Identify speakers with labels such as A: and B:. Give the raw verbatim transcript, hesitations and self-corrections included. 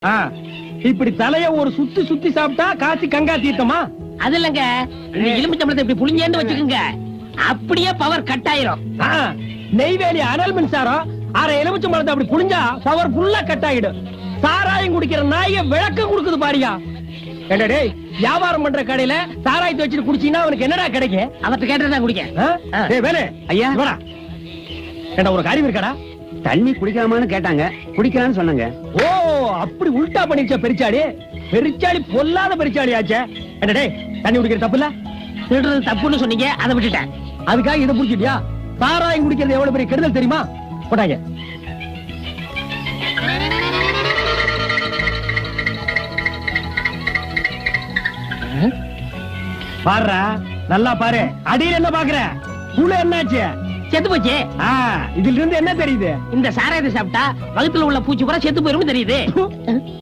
A: ஆ, இப்படி தலைய ஒரு சுத்தி சுத்தி சாப்பிட்டா காய்ச்சி கங்கா தீர்த்தமா?
B: அது இல்லங்க, இந்த எலுமிச்சம்பழத்தை இப்படி புளிஞ்சேன்னு வச்சுக்கோங்க, அப்படியே பவர் கட் ஆயிரும்.
A: ஆ, நெய்வேலி அனல் மின்சாரம் அரை எலுமிச்சம்பழத்தை அப்படி புளிஞ்சா பவர் ஃபுல்லா கட் ஆயிடும். சாராயம் குடிக்கிற நாய விளக்கம் கொடுக்குது பாரியா. ஏண்டா டேய், வியாபாரம் பண்ற கடையில சாராயத்தை வச்சுட்டு குடிச்சீங்கன்னா அவனுக்கு என்னடா கிடைக்கும்?
B: அவர்கிட்ட கேட்டதான் குடிக்க.
A: ஆ? டேய் வேலு,
C: ஐயா.
A: வாடா. ஏண்டா ஒரு காரியம் இருக்காடா?
C: தண்ணி குடிக்கலாமான்னு கேட்டாங்க, குடிக்கலாம்னு சொன்னாங்க.
A: ஓ, அப்படி உல்டா பண்ணிருச்ச பெரிச்சாடி. பெரிச்சாடி பொல்லாத பெரிச்சாடி ஆச்சே. என்ன டேய், தண்ணி குடிக்கிற தப்பு இல்ல?
B: திருடுறது தப்புன்னு சொன்னீங்க, அதை விட்டுட்டேன்.
A: அதுக்காக இதை புடிச்சிட்டியா? சாராயம் குடிக்கிறது எவ்வளவு பெரிய கெடுதல் தெரியுமா? போட்டாங்க. பாருடா, நல்லா பாரு. அடியில் என்ன பாக்குற? புழு என்னாச்சு?
B: செத்து போச்சு.
A: ஆ, இதுல இருந்து என்ன தெரியுது?
B: இந்த சாராயத்தை சாப்பிட்டா வகுத்துல உள்ள பூச்சி பூரா செத்து போயிரும் தெரியுது.